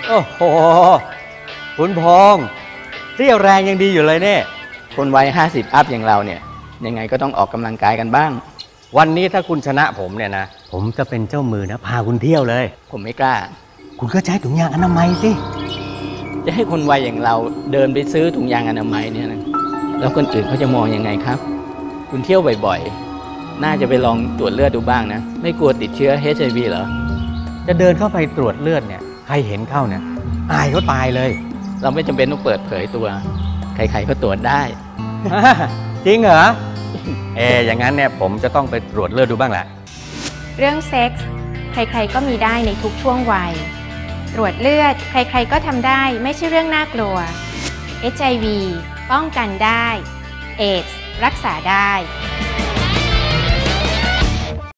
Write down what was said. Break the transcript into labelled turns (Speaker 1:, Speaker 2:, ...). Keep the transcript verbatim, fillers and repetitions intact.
Speaker 1: โอ้โหคุณพงษ์เรี่ยวแรงยังดีอยู่เลยเนี่ย
Speaker 2: คนวัยห้าสิบอัพอย่างเราเนี่ยยังไงก็ต้องออกกำลังกายกันบ้าง
Speaker 1: วันนี้ถ้าคุณชนะผมเนี่ยนะผมจะเป็นเจ้ามือนะพาคุณเที่ยวเลย
Speaker 2: ผมไม่กล้า
Speaker 1: คุณก็ใช้ถุงยางอนามัยสิ
Speaker 2: จะให้คนวัยอย่างเราเดินไปซื้อถุงยางอนามัยเนี่ยนะแล้วคนอื่นเขาจะมองยังไงครับคุณเที่ยวบ่อยๆน่าจะไปลองตรวจเลือดดูบ้างนะไม่กลัวติดเชื้อ เอช ไอ วี เหรอ
Speaker 1: จะเดินเข้าไปตรวจเลือดเนี่ยใครเห็นเข้าเนี่ยอายเขาตายเลย
Speaker 2: เราไม่จำเป็นต้องเปิดเผยตัวใครๆก็ตรวจได้
Speaker 1: จริงเหรอเอออย่างนั้นเนี่ยผมจะต้องไปตรวจเลือดดูบ้างแหละ
Speaker 3: เรื่องเซ็กส์ใครๆก็มีได้ในทุกช่วงวัยตรวจเลือดใครๆก็ทำได้ไม่ใช่เรื่องน่ากลัว เอช ไอ วี ป้องกันได้เอดส์รักษาได้